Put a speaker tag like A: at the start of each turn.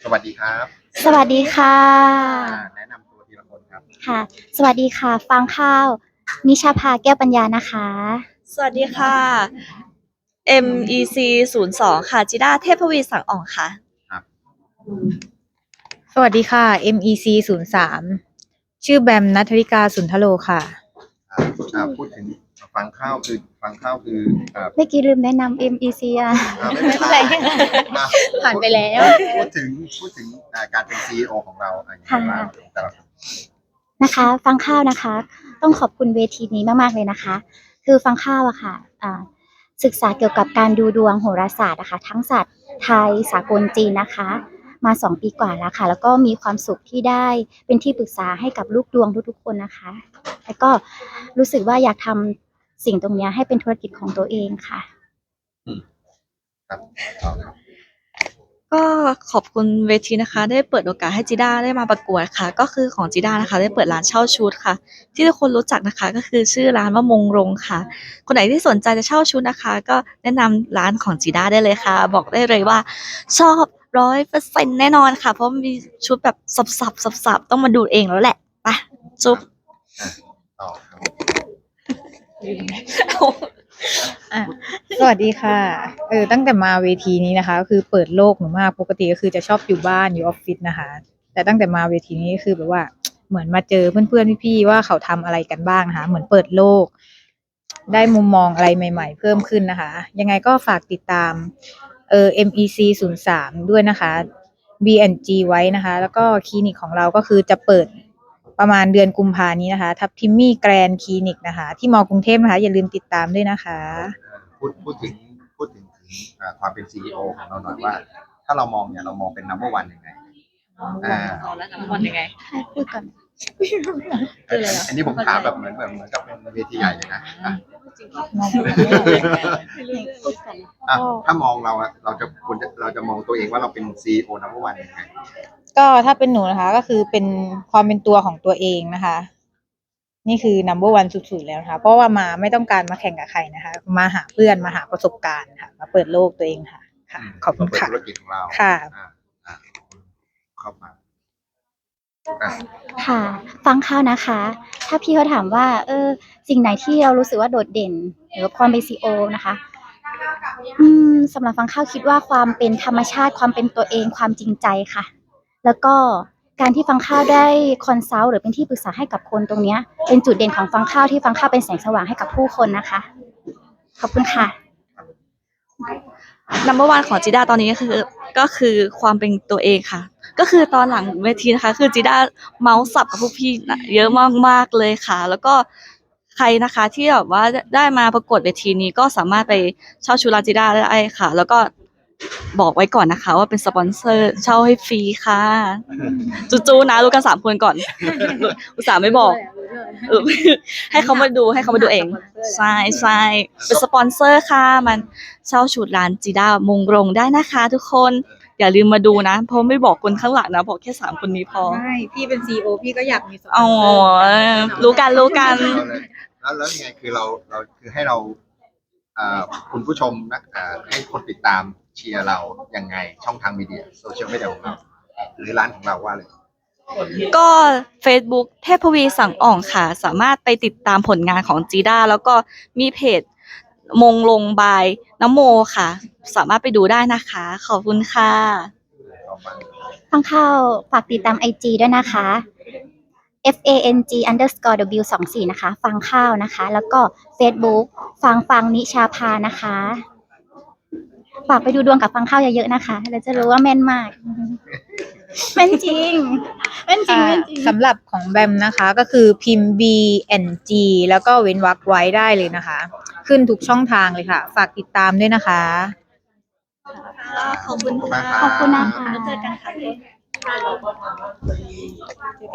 A: สวัสดีครับ
B: สวัสดีค่ะ
A: แนะนำตัวทีละคนครับ
B: ค่ะ สวัสดีค่ะฟางข้าวนิชาภาแก้วปัญญานะคะ
C: สวัสดีค่ะ MEC 02ค่ะจิด้าเทพวีสังอ่องค่ะ
A: ครับ
D: สวัสดีค่ะ MEC 03ชื่อแบมณัฐริกาสุนทโลค่ะ
A: พูดถึงฟังข้าวคือ
B: เมื่อกี้ลืมแนะนำ MEC อ่ะ
A: ไม่เป็นไรอ่ะ
D: ผ่านไปแล้ว
A: พูดถึงการเป็น CEO ของเราอย่างไรบ้างแต่ละคน
B: นะคะฟังข้าวนะคะ ต้องขอบคุณเวทีนี้มากๆเลยนะคะ คือฟังข้าวอะค่ะศึกษาเกี่ยวกับการดูดวงโหราศาสตร์นะคะทั้งศาสตร์ไทยสากลจีนนะคะมา2 ปีกว่าแล้วค่ะแล้วก็มีความสุขที่ได้เป็นที่ปรึกษาให้กับลูกดวงทุกๆคนนะคะแล้วก็รู้สึกว่าอยากทำสิ่งตรงนี้ให้เป็นธุรกิจของตัวเองค่ะ
A: ครับต่อครับ
C: ก็ขอบคุณเวทีนะคะ ได้เปิดโอกาสให้จิด้าได้มาประกวดค่ะ ก็คือของจิด้านะคะ ได้เปิดร้านเช่าชุดค่ะ ที่ทุกคนรู้จักนะคะ ก็คือชื่อร้านว่ามงรงค่ะ คนไหนที่สนใจจะเช่าชุดนะคะ ก็แนะนำร้านของจิด้าได้เลยค่ะ บอกได้เลยว่าชอบ100%แน่นอนค่ะ เพราะมีชุดแบบสับต้องมาดูเองแล้วแหละไปจุ๊บ
A: ต่อครับ
D: สวัสดีค่ะตั้งแต่มาเวทีนี้นะคะก็คือเปิดโลกหนูมากปกติก็คือจะชอบอยู่บ้านอยู่ออฟฟิศนะคะ แต่ตั้งแต่มาเวทีนี้คือแบบว่าเหมือนมาเจอเพื่อนๆพี่ๆว่าเขาทำอะไรกันบ้างนะคะเหมือนเปิดโลกได้มุมมองอะไรใหม่ๆเพิ่มขึ้นนะคะยังไงก็ฝากติดตามMEC 03ด้วยนะคะ B&G ไว้นะคะ แล้วก็คลินิกของเราก็คือจะเปิดประมาณเดือนกุมภานี้นะคะทับทิมมี่แกรนคลินิกนะคะที่มอกรุงเทพนะคะอย่าลืมติดตามด้วยนะคะ
A: พูดถึงความเป็น CEO ของเราหน่อยว่า ถ้าเรามองเนี่ยเรามองเป็น number one ยังไง
C: แล้วนัมเบอร์วันยังไง
B: ให้พูดก่อน
A: อันนี้ผมถามแบบเหมือนกับเป็นเวทีใหญ่เลยนะถ้ามองเราจะมองตัวเองว่าเราเป็น CEO number one ยังไง
D: ก็ถ้าเป็นหนูนะคะก็คือเป็นความเป็นตัวของตัวเองนะคะ นี่คือ number one สุดๆแล้วนะคะเพราะว่ามาไม่ต้องการมาแข่งกับใครนะคะ มาหาเพื่อนมาหาประสบการณ์ค่ะมาเปิดโลกตัวเองค่ะขอบคุณค่ะ
A: ธุรกิจของเรา
D: ค่ะ
A: เข้ามา
B: ค่ะฟังข้าวนะคะ ถ้าพี่เขาถามว่าสิ่งไหนที่เรารู้สึกว่าโดดเด่นหรือความเป็นซีโอนะคะสำหรับฟังข้าวคิดว่าความเป็นธรรมชาติความเป็นตัวเองความจริงใจค่ะ แล้วก็การที่ฟังข้าวได้คอนซัลท์หรือเป็นที่ปรึกษาให้กับคนตรงนี้เป็นจุดเด่นของฟังข้าวที่ฟังข้าวเป็นแสงสว่างให้กับผู้คนนะคะขอบคุณค่ะ
C: number one ของจิด้าตอนนี้ก็คือความเป็นตัวเองค่ะ ก็คือตอนหลังเวทีนะคะ คือจิด้าเมาส์สับกับพวกพี่เยอะมากๆเลยค่ะ แล้วก็ใครนะคะที่แบบว่าได้มาประกวดเวทีนี้ก็สามารถไปเช่าชุดลาจิด้าได้ค่ะ แล้วก็บอกไว้ก่อนนะคะ ว่าเป็นสปอนเซอร์เช่าให้ฟรีค่ะจูๆนะรู้กัน3 คนก่อนอุตส่าห์ไม่บอกให้เขามาดูเองใช่เป็นสปอนเซอร์ค่ะมันเช่าชุดร้านจิด้ามงรงได้นะคะทุกคนอย่าลืมมาดูนะเพราะไม่บอกคนข้างหลังนะบอกแค่3 คนนี้พอ
D: ไม่พี่เป็น CEO พี่ก็อยากมีสปอนเซอร์
C: รู้กัน
A: แล้วยังไงคือเราคือให้เราคุณผู้ชมนะให้คนติดตามเชียร์เรายังไงช่องทางมีเดียโซเชียลมีเดียของเราหรือร้านของเราว่าเลย
C: ก็ Facebook เทพวีสังอ่องค่ะสามารถไปติดตามผลงานของจีด้าแล้วก็มีเพจมงลงบายน้ำโมค่ะสามารถไปดูได้นะคะขอบคุณค่ะ
B: ฟังข้าวฝากติดตาม IG ด้วยนะคะ FANG_W24 นะคะฟังข้าวนะคะแล้วก็ Facebook ฟังนิชาภานะคะฝากไปดูดวงกับฟังข้าวเยอะๆนะคะเราจะรู้ว่าแม่นมากแม่นจริง
D: สำหรับของแบมนะคะก็คือพิมพ์ B&G แล้วก็เว้นวรรคไว้ได้เลยนะคะขึ้นทุกช่องทางเลยค่ะฝากติดตามด้วยนะคะ
C: ขอบคุณค่ะ
B: ขอบคุณนะคะ
C: แล้วเจอกันค่ะ